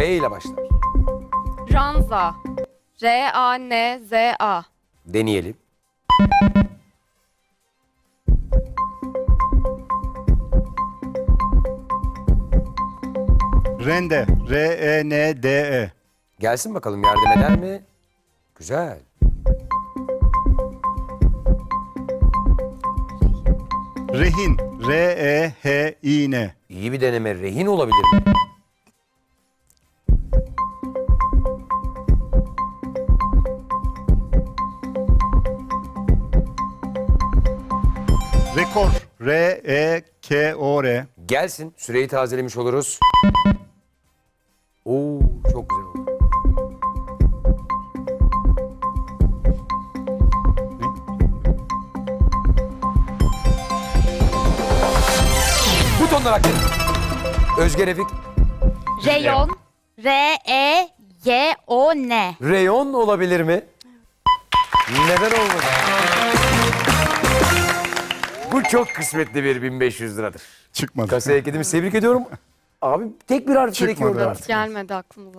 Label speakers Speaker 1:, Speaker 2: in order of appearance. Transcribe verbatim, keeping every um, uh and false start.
Speaker 1: R ile başlar.
Speaker 2: Ranza. R A N Z A.
Speaker 1: Deneyelim.
Speaker 3: Rende. R E N D E.
Speaker 1: Gelsin bakalım, yardım eder mi? Güzel.
Speaker 3: Rehin. R E H İ N.
Speaker 1: İyi bir deneme. Rehin olabilir mi?
Speaker 3: Rekor. R E K O R.
Speaker 1: Gelsin. Süreyi tazelemiş oluruz. Oo, çok güzel oldu. Butonlar aktif. Özge Refik.
Speaker 4: Reyon. R E Y O N.
Speaker 1: Reyon olabilir mi? Neden olmadı? Bu çok kısmetli bir bin beş yüz liradır.
Speaker 3: Çıkmadı.
Speaker 1: Kasaya ekledimiz. Tebrik ediyorum. Abi tek bir harf gerekiyor
Speaker 3: Çıkmadı,
Speaker 1: orada.
Speaker 3: evet.
Speaker 2: Gelmedi aklımıza.